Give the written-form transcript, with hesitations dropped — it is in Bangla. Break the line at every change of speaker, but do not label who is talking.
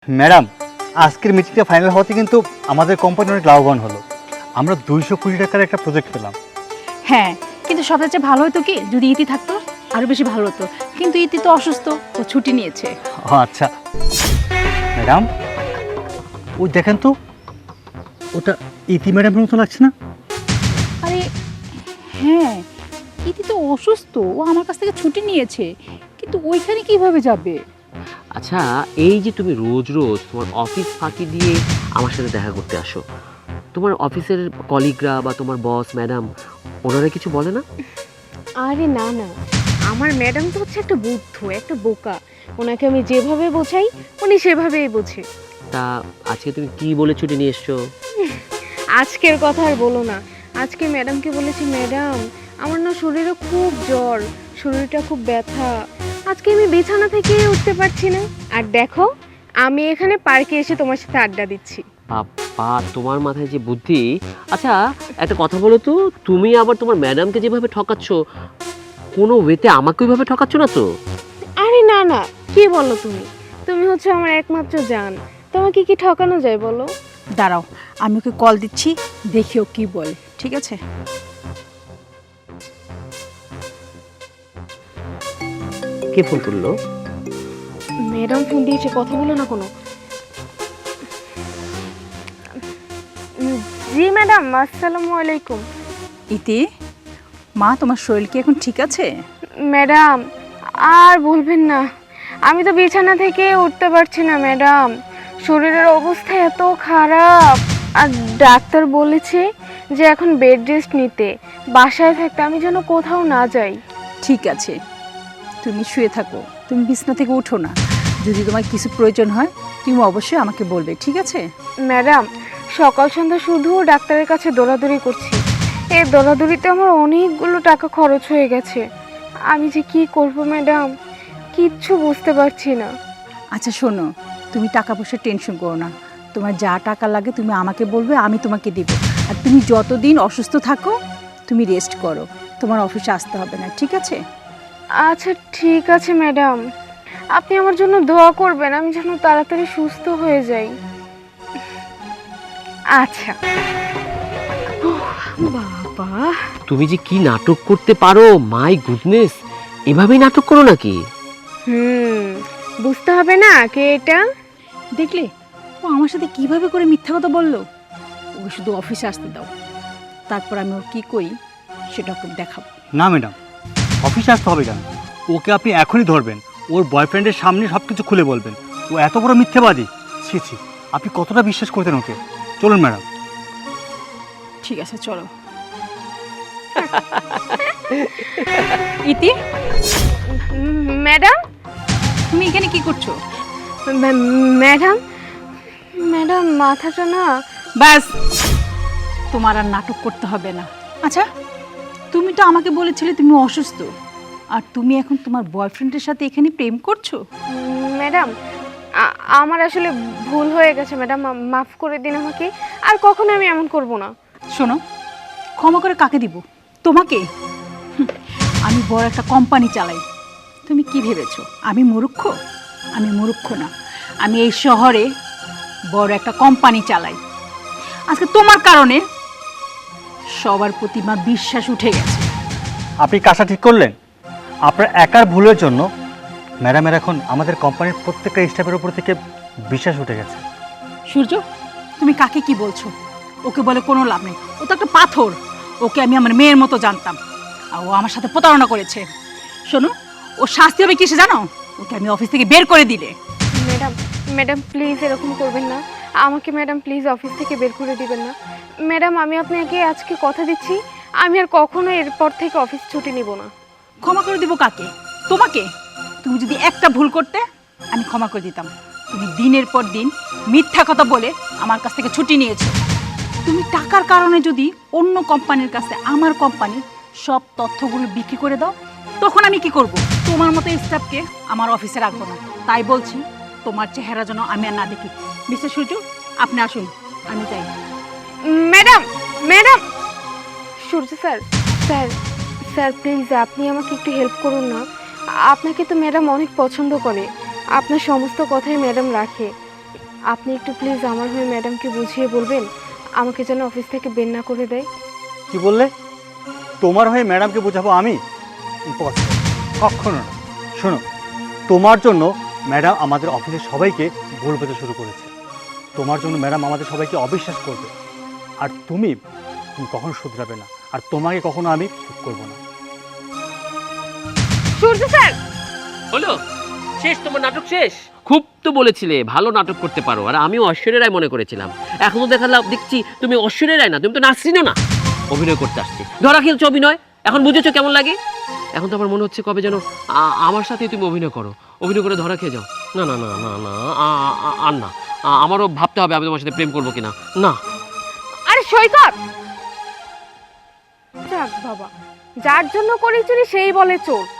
ম্যাডাম, আজকের মিটিংটা ফাইনাল হওয়াতে কিন্তু আমাদের কোম্পানি অনেক লাভবান হলো। আমরা 200 কোটি টাকার একটা প্রজেক্ট পেলাম।
হ্যাঁ, কিন্তু সবচেয়ে চেয়ে ভালো হতো কি যদি ইতি থাকতো, আরো বেশি ভালো হতো। কিন্তু ইতি তো অসুস্থ, ও ছুটি নিয়েছে।
ও আচ্ছা ম্যাডাম, ওই দেখেন তো, ওটা ইতি ম্যাডামের মতো লাগছে না?
আরে হ্যাঁ, ইতি তো অসুস্থ, ও আমার কাছ থেকে ছুটি নিয়েছে, কিন্তু ওইখানে কিভাবে যাবে?
আচ্ছা, এই যে তুমি রোজ রোজ তোমার অফিস ফাঁকি দিয়ে আমার সাথে দেখা করতে আসো, তোমার অফিসের কলিগরা বা তোমার বস ম্যাডাম ওনারা কিছু বলে না?
আরে না না, আমার ম্যাডাম তো হচ্ছে একটা বুদ্ধ, একটা বোকা। ওনাকে আমি যেভাবে বোঝাই উনি সেভাবেই বোঝে।
তা আজকে তুমি কি বলে ছুটি নিয়ে এসছো?
আজকের কথা আর বলো না। আজকে ম্যাডামকে বলেছি, ম্যাডাম আমার না শরীরে খুব জ্বর, শরীরটা খুব ব্যথা, আজকে আমি বিছানা থেকে উঠতে পারছি না। আর দেখো, আমি এখানে পার্কে এসে তোমার সাথে আড্ডা দিচ্ছি।
বাবা, তোমার মাথায় যে বুদ্ধি! আচ্ছা, একটা কথা বলো তো, তুমি আবার তোমার ম্যাডামকে যেভাবে ঠকাচ্ছ, কোনো ওয়েতে আমাকে ওইভাবে ঠকাচ্ছ না তো?
আরে না না, কি বলো তুমি? তুমি হচ্ছে আমার একমাত্র জান, তোমাকে কি ঠকানো যায় বলো?
দাঁড়াও, আমি ওকে কল দিচ্ছি, দেখি ও কি বলে। ঠিক আছে?
কে ফোন করলো?
ম্যাডাম ফোন দিয়েছে, কথা বলো না কোনো। জি ম্যাডাম, আসসালামু আলাইকুম।
ইতি, মা তোমার শরীর কি এখন ঠিক আছে?
ম্যাডাম আর বলবেন না, আমি তো বিছানা থেকে উঠতে পারছি না ম্যাডাম, শরীরের অবস্থা এত খারাপ। আর ডাক্তার বলেছে যে এখন বেড রেস্ট নিতে, বাসায় থাকতে, আমি যেন কোথাও না যাই।
ঠিক আছে, তুমি শুয়ে থাকো, তুমি বিছানা থেকে উঠো না। যদি তোমার কিছু প্রয়োজন হয় তুমি অবশ্যই আমাকে বলবে, ঠিক আছে?
ম্যাডাম সকাল সন্ধ্যা শুধু ডাক্তারের কাছে দৌড়াদৌড়ি করছি, এই দৌড়াদৌড়িতে আমার অনেকগুলো টাকা খরচ হয়ে গেছে। আমি যে কি করব ম্যাডাম, কিচ্ছু বুঝতে পারছি না।
আচ্ছা শোনো, তুমি টাকা পয়সার টেনশন করো না, তোমার যা টাকা লাগে তুমি আমাকে বলবে, আমি তোমাকে দিব। আর তুমি যতদিন অসুস্থ থাকো তুমি রেস্ট করো, তোমার অফিসে আসতে হবে না, ঠিক আছে?
আচ্ছা ঠিক আছে ম্যাডাম, আপনি আমার জন্য দোয়া করবেন, আমি যেন তাড়াতাড়ি সুস্থ হয়ে যাই। আচ্ছা। বাবা,
তুমি যে কি নাটক করতে পারো, মাই গুডনেস! এভাবেই নাটক করো নাকি?
বুঝতে হবে না কে এটা?
দেখলে ও আমার সাথে কিভাবে করে মিথ্যা কথা বললো। ওকে শুধু অফিসে আসতে দাও, তারপর আমি ওর কী করি সেটা ওকে দেখাবো।
না ম্যাডাম, অফিসে আসতে হবে কেন? ওকে আপনি এখনই ধরবেন, ওর বয়ফ্রেন্ডের সামনে সব কিছু খুলে বলবেন। ও এত বড় মিথ্যেবাদী! ছি ছি, আপনি কতটা বিশ্বাস করতেন ওকে? চলুন ম্যাডাম।
ঠিক আছে চলো। ইতি,
ম্যাডাম,
তুমি এখানে কি করছো?
ম্যাডাম, ম্যাডাম মাথাটা না।
ব্যাস, তোমার আর নাটক করতে হবে না। আচ্ছা, তুমি তো আমাকে বলেছিলে তুমি অসুস্থ, আর তুমি এখন তোমার বয়ফ্রেন্ডের সাথে এখানে প্রেম করছো?
ম্যাডাম আমার আসলে ভুল হয়ে গেছে ম্যাডাম, মাফ করে দিন আমাকে, আর কখনো আমি এমন করব না।
শোনো, ক্ষমা করে কাকে দিব? তোমাকে? আমি বড় একটা কোম্পানি চালাই, তুমি কি ভেবেছো আমি মূর্খ? আমি মূর্খ না, আমি এই শহরে বড় একটা কোম্পানি চালাই। আজকে তোমার কারণে সবার প্রতি আমার বিশ্বাস উঠে গেছে।
আপনি কাজটা ঠিক করলেন? আপনার একার ভুলের জন্য ম্যাডামের এখন আমাদের কোম্পানির প্রত্যেকটা স্টাফের উপর থেকে বিশ্বাস উঠে গেছে।
সূর্য, তুমি কাকে কি বলছো? ওকে বলে কোনো লাভ নেই, ও তো একটা পাথর। ওকে আমি আমার মেয়ের মতো জানতাম, আর ও আমার সাথে প্রতারণা করেছে। শোনো, ও শাস্তি হবে কিসে জানো? ওকে আমি অফিস থেকে বের করে দিলে।
ম্যাডাম, ম্যাডাম প্লিজ এরকম করবেন না, আমাকে ম্যাডাম প্লিজ অফিস থেকে বের করে দিবেন না। ম্যাডাম আমি আপনাকে আজকে কথা দিচ্ছি, আমি আর কখনো এরপর থেকে অফিস ছুটি নিব না।
ক্ষমা করে দিব কাকে? তোমাকে? তুমি যদি একটা ভুল করতে আমি ক্ষমা করে দিতাম। তুমি দিনের পর দিন মিথ্যা কথা বলে আমার কাছ থেকে ছুটি নিয়েছো। তুমি টাকার কারণে যদি অন্য কোম্পানির কাছে আমার কোম্পানির সব তথ্যগুলো বিক্রি করে দাও, তখন আমি কি করব? তোমার মতো স্টাফকে আমার অফিসে রাখবো না। তাই বলছি, তোমার চেহারা যেন আমি আর না দেখি। মিস্টার সূর্য, আপনি আসুন, আমি যাই।
Madam, madam, Surya sir, sir, sir please আপনি আমাকে একটু হেল্প করুন না। আপনাকে তো ম্যাডাম অনেক পছন্দ করে, আপনার সমস্ত কথাই ম্যাডাম রাখে। আপনি একটু প্লিজ আমার হয়ে ম্যাডামকে বুঝিয়ে বলবেন আমাকে যেন অফিস থেকে বের না করে দেয়।
কি বললে? তোমার হয়ে ম্যাডামকে বোঝাবো আমি? ইম্পসিবল, কখনো না। শোনো, তোমার জন্য ম্যাডাম আমাদের অফিসের সবাইকে ভুল বোঝা শুরু করেছে। তোমার জন্য ম্যাডাম আমাদের সবাইকে অবিশ্বাস করবে। আর তুমি তুমি কখনো শুধরাবে না, আর তোমাকে কখনো আমি ঠিক করবো না।
সূর্য স্যার,
হলো শেষ, তোমার নাটক শেষ। খুব তো বলেছিলে ভালো নাটক করতে পারো, আর আমিও ঐশ্বর্য রায় মনে করেছিলাম। এখন তো দেখছি তুমি ঐশ্বর্য রায় না, তুমি তো নাসরিনও না, অভিনয় করতে আসছি। ধরা খেলছো অভিনয়, এখন বুঝেছো কেমন লাগে? এখন তো আমার মনে হচ্ছে কবে যেন আমার সাথে তুমি অভিনয় করো, অভিনয় করে ধরা খেয়ে যাও। না না না না না, আর না, আমারও ভাবতে হবে আমি তোমার সাথে প্রেম করবো কিনা। না।
আরে সৈকত, যাক বাবা, যার জন্য করি চুরি সেই বলে চোর।